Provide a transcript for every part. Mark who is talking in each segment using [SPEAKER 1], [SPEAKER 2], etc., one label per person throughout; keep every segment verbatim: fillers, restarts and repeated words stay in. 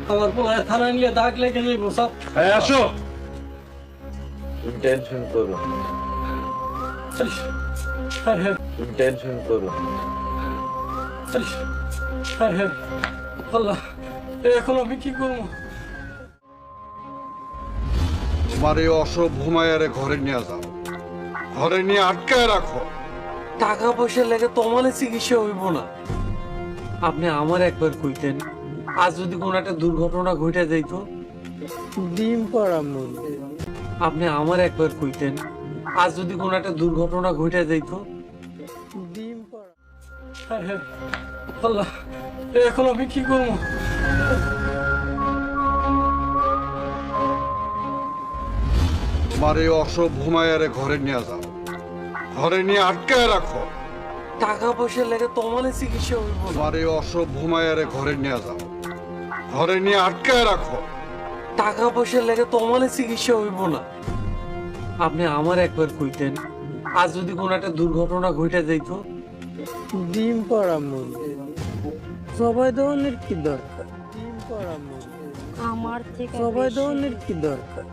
[SPEAKER 1] আমার পোলায় থানা নিয়ে দাগ লেগে যাইব সব।
[SPEAKER 2] এই আসো।
[SPEAKER 3] তুমি টেনশন করো না।
[SPEAKER 1] হ্যাঁ হ্যাঁ
[SPEAKER 3] তুমি টেনশন করো না।
[SPEAKER 1] হ্যাঁ হ্যাঁ আল্লাহ, এখন আমি কি করবো?
[SPEAKER 4] তোমার এই অসভ্য মায়ারে ঘরে নিয়ে যাও, ঘরে নিয়ে আটকায় রাখো।
[SPEAKER 1] টাকা পয়সা লেগে তোমার চিকিৎসা হইব না। আপনি আমার একবার কইতেন, আজ যদি কোনো একটা দুর্ঘটনা ঘটে যাইতো। ডিম পড়া মন। আপনি আমার একবার কইতেন, আজ যদি কোনো একটা দুর্ঘটনা ঘটে যাইতো। ডিম পড়া। হ্যাঁ হ্যাঁ আল্লাহ, এখন আমি কি করবো?
[SPEAKER 4] তোমার এই অসভ্য মায়ারে ঘরে নিয়ে যাও, ঘরে নিয়ে আটকায় রাখো।
[SPEAKER 1] টাকা পয়সা লেগে তোমার চিকিৎসা হইব না।
[SPEAKER 4] তোমার এই অসভ্য মায়ারে ঘরে নিয়ে যাও, ঘরে নিয়ে আটকায় রাখো।
[SPEAKER 1] টাকা পয়সা লেগে তোমার চিকিৎসা হইব না। আপনি আমার একবার কইতেন, আজ যদি কোনো একটা দুর্ঘটনা ঘটে যাইতো। ডিম পড়া মন। সবাই ধরনের কি দরকার? ডিম পড়া মন।
[SPEAKER 5] আমার থেকে
[SPEAKER 1] সবাই
[SPEAKER 5] বেশি-
[SPEAKER 1] ধরনের কি দরকার?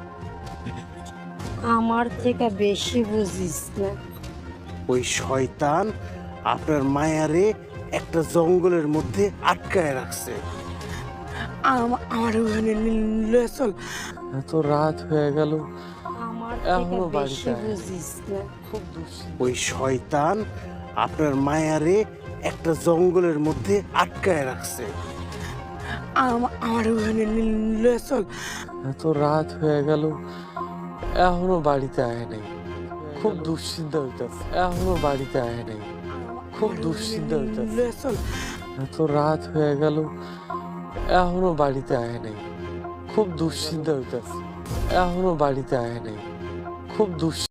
[SPEAKER 5] আমার থেকে বেশি বুঝিস না।
[SPEAKER 6] ওই শয়তান আপনার মায়ারে একটা জঙ্গলের মধ্যে আটকায় রাখছে।
[SPEAKER 1] আম- আমার ওখানে নিলে চল। এত রাত হয়ে গেল,
[SPEAKER 5] আমার
[SPEAKER 1] এখনো
[SPEAKER 5] থেকে
[SPEAKER 1] বাড়িতে
[SPEAKER 5] বেশি
[SPEAKER 1] আয়।
[SPEAKER 5] বুঝিস না।
[SPEAKER 1] খুব দুশ্চিন্তা।
[SPEAKER 6] ওই শয়তান আপনার মায়ারে একটা জঙ্গলের মধ্যে আটকায় রাখছে।
[SPEAKER 1] আম- আমার ওখানে নিলে চল। এত রাত হয়ে গেল, এখনো বাড়িতে আয় নাই। খুব দুশ্চিন্তা হইতাছে। এখনো বাড়িতে আয় নাই। খুব দুশ্চিন্তা হইতাছে। এত রাত হয়ে গেল, এখনো বাড়িতে আয় নাই। খুব দুশ্চিন্তা হইতাছে। এখনো বাড়িতে আয় নাই। খুব দুশ্চিন্তা।